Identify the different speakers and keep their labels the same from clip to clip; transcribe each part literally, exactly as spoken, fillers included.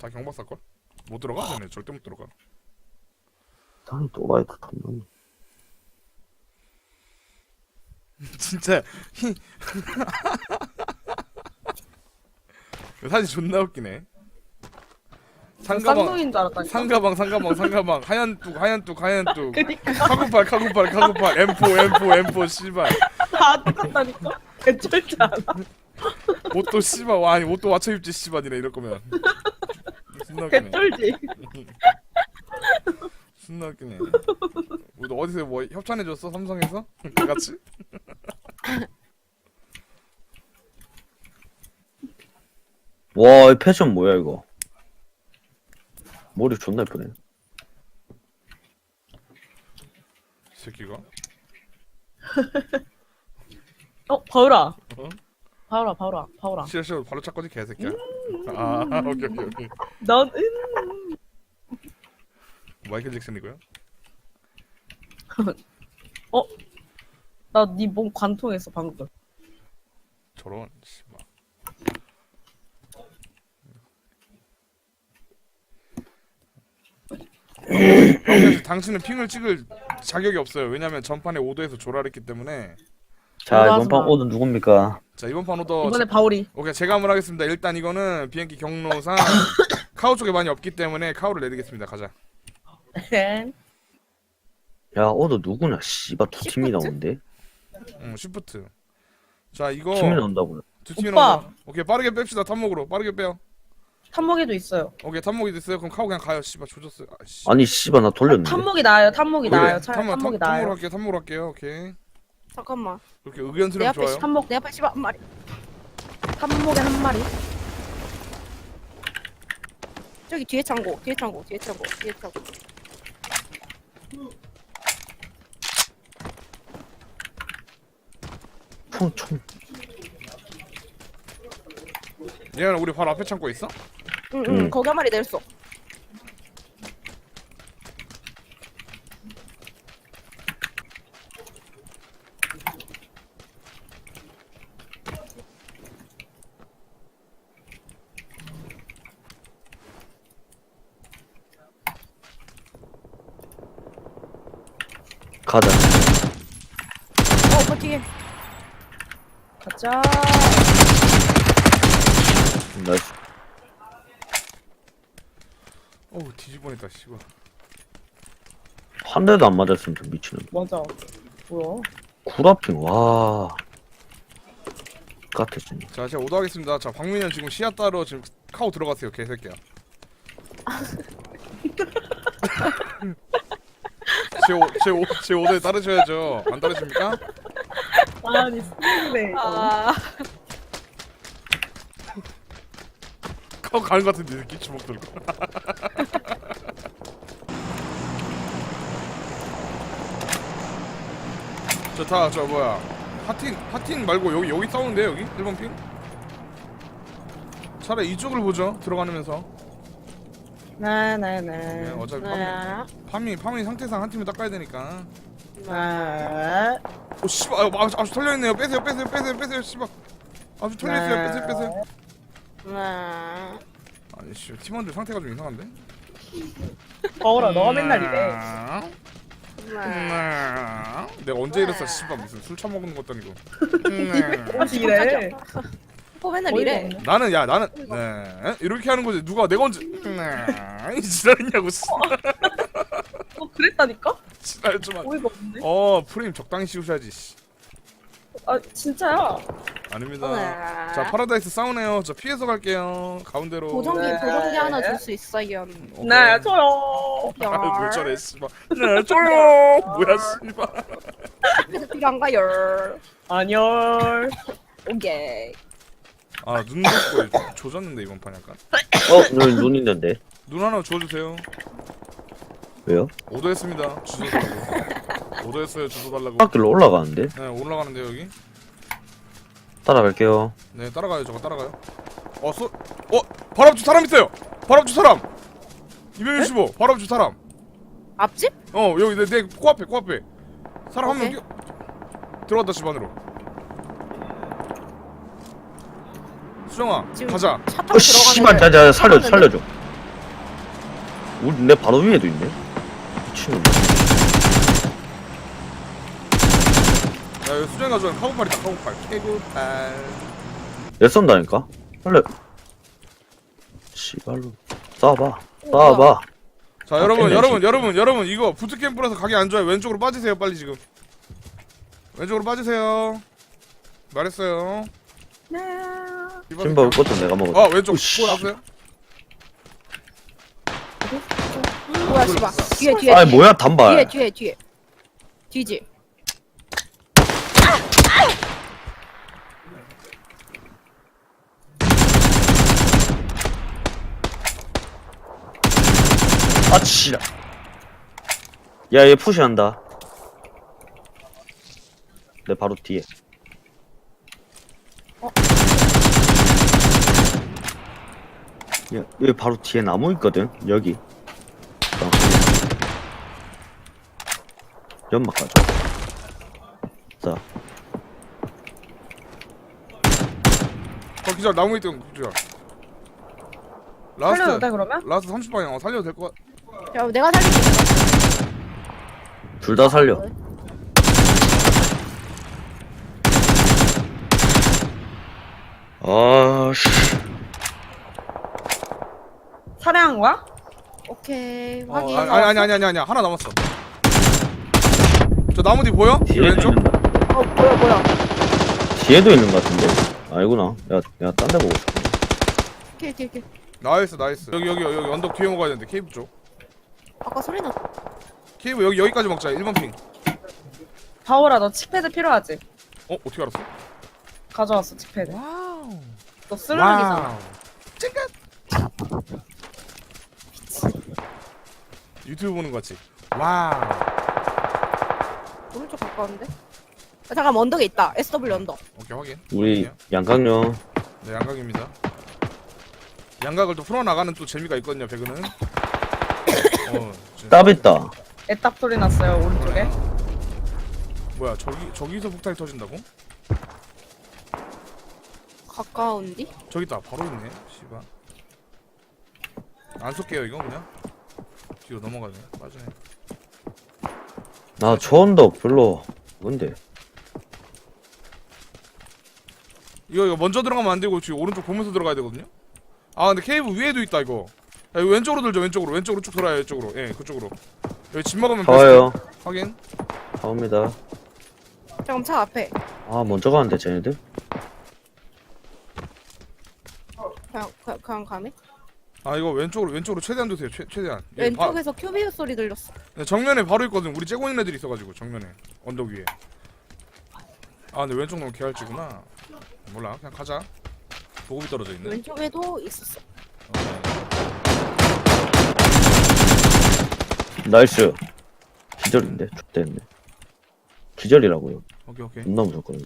Speaker 1: 다 경박사걸? 못 들어가? 쟤네 절대 못 들어가.
Speaker 2: 당연히 또라이도 탐나네.
Speaker 1: 진짜 히... 사진 존나 웃기네. 상가방
Speaker 3: 쌍둥이인 줄 알았다니까.
Speaker 1: 상가방 상가방 상가방 하얀 뚝 하얀 뚝 하얀 뚝
Speaker 3: 그니까
Speaker 1: 카구팔 카구팔 카구팔 엠포 엠포 엠포 씨발
Speaker 3: 다 똑같다니까. 개쩔지 않아.
Speaker 1: 옷도 씨발 와 아니 옷도 맞춰 입지 씨발이네 이럴 거면. 존나 웃기네.
Speaker 3: 개쩔지.
Speaker 1: 존나 웃기네. 우리 어디서 뭐 협찬해 줬어 삼성에서? 다 같이?
Speaker 2: 와, 이 패션 뭐야 이거? 머리 존나 예쁘네.
Speaker 1: 이 새끼가?
Speaker 3: 어 바울아.
Speaker 1: 어?
Speaker 3: 바울아 바울아 바울아.
Speaker 1: 싫어 싫어 바로 찾거지 개새끼야. 아 오케이 오케이 오케이.
Speaker 3: 넌 음.
Speaker 1: 마이클 잭슨이고요.
Speaker 3: 어? 나 네 몸 관통했어 방금.
Speaker 1: 저런 씨발. 형, 당신은 핑을 찍을 자격이 없어요. 왜냐면 전판에 오더에서 조라했기 때문에.
Speaker 2: 자,
Speaker 3: 올라가지
Speaker 2: 이번 판
Speaker 3: 마.
Speaker 2: 오늘 누굽니까?
Speaker 1: 자 이번 판 오더
Speaker 3: 이번에 바울이.
Speaker 1: 오케이 제가 한번 하겠습니다. 일단 이거는 비행기 경로상 카우 쪽에 많이 없기 때문에 카우를 내리겠습니다. 가자.
Speaker 2: 야, 오늘 누구냐? 씨발 두 팀이 나오는데?
Speaker 1: 응 쉬프트. 자 이거
Speaker 2: 팀이 나온다고요?
Speaker 1: 두 팀이
Speaker 3: 오빠.
Speaker 1: 나온다. 오케이 빠르게 뺍시다. 탑목으로 빠르게 빼요.
Speaker 3: 탐목에도 있어요.
Speaker 1: 오케이 탑목이 됐어요. 그럼 카우 그냥 가요. 씨발 조졌어요. 아씨.
Speaker 2: 아니 씨발 나 돌렸는데.
Speaker 3: 탐목이 나아요. 탐목이
Speaker 1: 그래,
Speaker 3: 나아요. 차라리
Speaker 1: 탑목,
Speaker 3: 탐목이
Speaker 1: 탑- 탑목으로
Speaker 3: 나아요.
Speaker 1: 할게요. 탑목으로 할게요. 오케이.
Speaker 4: 잠깐만.
Speaker 1: 그렇게
Speaker 4: 내
Speaker 1: 의견
Speaker 4: 앞에
Speaker 1: 좋아요.
Speaker 4: 탐목 내 앞에 씨발 한 마리.
Speaker 3: 탐목에 한 마리.
Speaker 4: 저기 뒤에 창고 뒤에 창고 뒤에 창고 뒤에 창고.
Speaker 2: 총, 총.
Speaker 1: 얘는 우리 바로 앞에 창고 있어?
Speaker 4: 응응
Speaker 2: 응.
Speaker 4: 거기 한 마리 내렸어.
Speaker 2: 가자.
Speaker 4: 어그 뒤에.
Speaker 3: 가자.
Speaker 2: 나이스.
Speaker 1: 어우 뒤집어냈다 씨발.
Speaker 2: 한 대도 안 맞았으면 좀 미치는.
Speaker 3: 맞아. 뭐야?
Speaker 2: 구라핑, 와. 같아, 진짜.
Speaker 1: 자 제가 오더하겠습니다. 자 박민현 지금 시야 따러 지금 카우 들어갔어요. 개새끼야. 제, 오, 제, 오, 제 오더에 따르셔야죠. 안 따르십니까?
Speaker 3: 아니 스네.
Speaker 4: 아
Speaker 1: 카우 가는 것 같은데 이 새끼 주먹 들고. 저 다 저 뭐야 하틴 하틴 말고 여기 여기 싸우는데 여기 일 번 핑? 차라리 이쪽을 보죠. 들어가면서.
Speaker 3: 나나나.
Speaker 1: 네, 어차피 파밍
Speaker 4: 네.
Speaker 1: 파밍 파밍 상태상 한 팀을 닦아야 되니까.
Speaker 3: 나.
Speaker 1: 오 씨발 아, 아주, 아주 털려 있네요. 빼세요 빼세요 빼세요 빼세요 씨발. 아주 털려 있어요. 빼세요 빼세요.
Speaker 4: 네.
Speaker 1: 아니 씨 팀원들 상태가 좀 이상한데?
Speaker 3: 바울아 너가 맨날 이래.
Speaker 4: 네.
Speaker 1: 내가 언제 이랬어 씨발 무슨 술 처먹는 것도 아니고.
Speaker 3: 어디 이래?
Speaker 4: 어 맨날
Speaker 3: 어이가
Speaker 4: 이래.
Speaker 3: 없네.
Speaker 1: 나는 야 나는 네 이렇게 하는 거지. 누가 내가 언제 네 이 지랄이냐고 씨.
Speaker 3: 어 그랬다니까?
Speaker 1: 지랄 좀 하-
Speaker 3: 어이가 없네.
Speaker 1: 어 프레임 적당히 씌우셔야지 씨.
Speaker 3: 아 진짜야?
Speaker 1: 아닙니다.
Speaker 4: 네.
Speaker 1: 자 파라다이스 싸우네요. 저 피해서 갈게요. 가운데로.
Speaker 4: 보정기
Speaker 3: 네.
Speaker 4: 보정기 하나 줄 수 있어요.
Speaker 1: 오케이.
Speaker 3: 네 저요.
Speaker 1: 아, 뭘 저래 씨발. 네 줘요. 뭐야 씨발.
Speaker 4: 그래서 필요한가요?
Speaker 3: 안녕.
Speaker 4: 오케이.
Speaker 1: 아눈 덮고 조졌는데 이번 판 약간.
Speaker 2: 어, 눈, 눈 있는데.
Speaker 1: 눈 하나 주워주세요.
Speaker 2: 왜요?
Speaker 1: 오더했습니다. 주소 달라고. 오더했어요. 주소 달라고.
Speaker 2: 학길로 올라가는데?
Speaker 1: 네 올라가는데 여기.
Speaker 2: 따라갈게요.
Speaker 1: 네 따라가요. 저거 따라가요. 어 소. 어 바로 앞주 사람 있어요. 바로 앞주 사람. 이백육십오. 바로 앞주 사람.
Speaker 4: 앞집?
Speaker 1: 어 여기 내 내 코앞에 코앞에. 사람 한 명
Speaker 4: 오케이.
Speaker 1: 뛰어. 들어갔다 집 안으로. 수정아
Speaker 4: 지금
Speaker 1: 가자.
Speaker 4: 차 타고
Speaker 2: 어, 씨발, 자,
Speaker 4: 들어가는데
Speaker 2: 자, 살려, 살려줘. 우리 내 바로 위에도 있네. 미친놈.
Speaker 1: 야 이거 수정이 가져간 카고팔이다 카고팔. 케이블팔.
Speaker 2: 내 쏜다니까. 원래 씨발로 쏴봐.
Speaker 4: 오,
Speaker 2: 쏴봐.
Speaker 1: 자
Speaker 2: 아,
Speaker 1: 여러분
Speaker 2: 깼네,
Speaker 1: 여러분
Speaker 2: 지금.
Speaker 1: 여러분 여러분 이거 부트캠프라서 가기 안 좋아요. 왼쪽으로 빠지세요 빨리 지금. 왼쪽으로 빠지세요. 말했어요.
Speaker 3: 네.
Speaker 2: 신발 것도 내가 먹었어.
Speaker 1: 아 왼쪽
Speaker 2: 으쌰.
Speaker 1: 봤어요?
Speaker 4: 뭐야 씨발. 뒤에 뒤에.
Speaker 2: 아니
Speaker 4: 뒤에.
Speaker 2: 뭐야 단발.
Speaker 4: 뒤에 뒤에 뒤에. 뒤지.
Speaker 2: 아 치라. 야얘 푸시한다. 내 바로 뒤에.
Speaker 4: 어?
Speaker 2: 야, 여기 바로 뒤에 나무 있거든. 여기. 어. 연막 가져. 자,
Speaker 1: 어 기절 나무에 있던 기절.
Speaker 3: 살려도
Speaker 1: 라스트
Speaker 3: 돼 그러면?
Speaker 1: 라스트 삼십 방향 어, 살려도 될 것 같.
Speaker 4: 야 내가 살릴게.
Speaker 2: 둘 다 살려. 아씨.
Speaker 3: 살해한 거야?
Speaker 4: 오케이
Speaker 1: 어,
Speaker 4: 확인.
Speaker 1: 아니 아니 아니 아니 아니 하나 남았어. 저 나무 뒤 보여?
Speaker 2: 뒤에도
Speaker 1: 왼쪽?
Speaker 2: 있는다.
Speaker 4: 어 뭐야 뭐야.
Speaker 2: 뒤에도 있는 것 같은데. 아니구나. 야, 내가 딴 데 보고 싶어.
Speaker 4: 오케이 오케이 오케이.
Speaker 1: 나이스 나이스. 여기 여기 여기 언덕 뒤에 먹어야 되는데 케이블 쪽.
Speaker 4: 아까 소리 났.
Speaker 1: 케이블 여기 여기까지 먹자. 일 번 핑.
Speaker 3: 바오라 너 칙패드 필요하지?
Speaker 1: 어 어떻게 알았어?
Speaker 3: 가져왔어 칙패드.
Speaker 1: 와우.
Speaker 3: 너 쓰레기잖아.
Speaker 1: 찡긋. 유튜브 보는 거 같지? 와우.
Speaker 4: 오른쪽 가까운데? 아, 잠깐 언덕에 있다. 에스더블유 언덕.
Speaker 1: 오케이 확인.
Speaker 2: 우리
Speaker 1: 확인이요.
Speaker 2: 양강령.
Speaker 1: 네 양각입니다. 양각을 또 풀어나가는 또 재미가 있거든요 배그는. 어, 진짜.
Speaker 2: 땀 있다.
Speaker 3: 애답 소리 났어요 오른쪽에.
Speaker 1: 뭐야 저기 저기서 폭탄이 터진다고?
Speaker 4: 가까운디?
Speaker 1: 저기 있다 바로 있네. 씨발. 안 쏠게요 이거 그냥. 뒤로 넘어가네. 빠지네.
Speaker 2: 나 저 언덕 별로. 뭔데?
Speaker 1: 이거 이거 먼저 들어가면 안 되고 지금 오른쪽 보면서 들어가야 되거든요. 아 근데 케이블 위에도 있다 이거. 야, 이거 왼쪽으로 들죠 왼쪽으로 왼쪽으로 쭉 돌아요 이쪽으로. 예 그쪽으로. 여기 집 먹으면
Speaker 2: 가와요.
Speaker 1: 베스트. 확인.
Speaker 2: 가옵니다.
Speaker 4: 잠깐 차 앞에.
Speaker 2: 아 먼저 가는데 쟤네들?
Speaker 4: 그냥 그냥, 그냥 가네.
Speaker 1: 아 이거 왼쪽으로 왼쪽으로 최대한 두세요 최, 최대한. 여기 바-
Speaker 4: 왼쪽에서 큐비우 소리 들렸어.
Speaker 1: 네, 정면에 바로 있거든. 우리 째고 있는 애들이 있어가지고 정면에 언덕 위에. 아 근데 왼쪽 너무 개할지구나. 몰라 그냥 가자. 보급이 떨어져 있네.
Speaker 4: 왼쪽에도 있었어.
Speaker 1: 어,
Speaker 2: 나이스. 기절인데? X됐네. 기절이라고요.
Speaker 1: 오케이 오케이.
Speaker 2: 존나 무섭거든.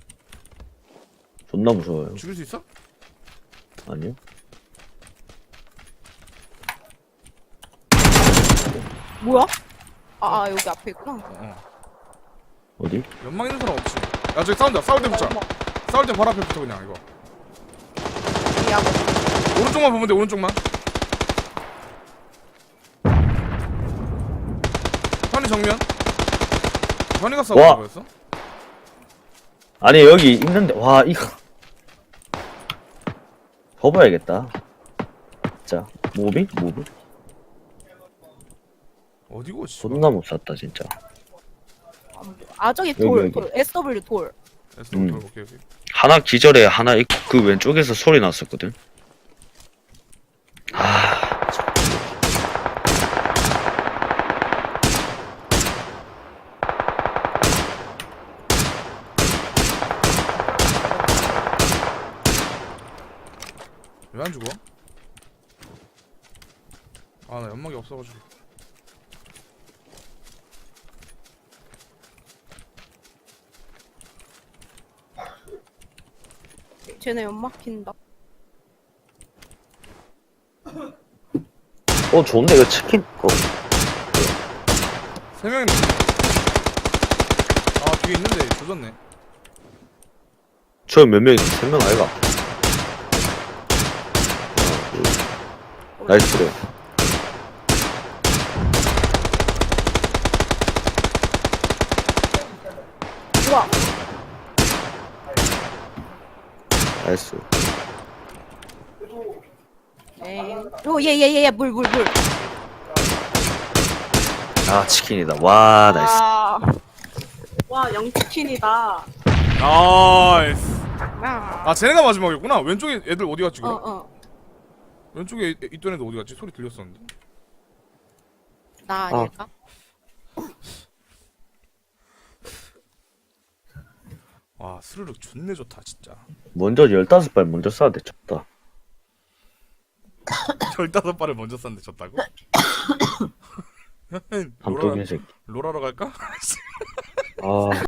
Speaker 2: 존나 무서워요.
Speaker 1: 죽일 수 있어?
Speaker 2: 아니요?
Speaker 4: 뭐야? 아, 아 여기 앞에 있구나.
Speaker 1: 어, 어.
Speaker 2: 어디?
Speaker 1: 연막 있는 사람 없지. 야 저기 싸운다. 싸울 때 붙자.
Speaker 4: 어머,
Speaker 1: 싸울 때 바로 앞에 붙어 그냥 이거.
Speaker 4: 이 야구.
Speaker 1: 오른쪽만 보면 돼 오른쪽만. 현이 정면. 현이가 싸우는
Speaker 2: 와.
Speaker 1: 거였어?
Speaker 2: 아니 여기 있는데 와 이거 접어야겠다. 자 모비? 모비?
Speaker 1: 어디고 씨.
Speaker 2: 존나 못 샀다 진짜.
Speaker 4: 아 저기
Speaker 2: 여기,
Speaker 4: 돌,
Speaker 2: 여기.
Speaker 4: 돌, 에스더블유 돌.
Speaker 1: 에스도
Speaker 2: 음.
Speaker 1: 오케이 오케이.
Speaker 2: 하나 기절에 하나 있고 그 왼쪽에서 소리 났었거든. 아
Speaker 1: 왜 안 죽어? 아 나 연막이 없어가지고.
Speaker 4: 쟤네 연막 킨다.
Speaker 2: 어 좋은데 이거 치킨 어,
Speaker 1: 세 명이네. 아 뒤에 있는데 조졌네.
Speaker 2: 저 몇 명이 세 명 아이가. 하나, 둘. 나이스 그래. 나이스.
Speaker 4: 에이. 오예예예예 물 물 물.
Speaker 2: 아 치킨이다. 와 나이스.
Speaker 3: 아. 와 영치킨이다.
Speaker 1: 나이스.
Speaker 4: 아.
Speaker 1: 아 쟤네가 마지막이었구나. 왼쪽에 애들 어디 갔지
Speaker 4: 어
Speaker 1: 그럼?
Speaker 4: 어.
Speaker 1: 왼쪽에 이- 있던 애들 어디 갔지? 소리 들렸었는데.
Speaker 4: 나 아닐까?
Speaker 1: 와 스르륵 존내 좋다 진짜.
Speaker 2: 먼저 열다섯 발 먼저 쏴야 돼. 졌다.
Speaker 1: 열다섯 발을 먼저 쐈는데 졌다고? 로라,
Speaker 2: 밤동인 새끼.
Speaker 1: 로라러 갈까?
Speaker 2: 아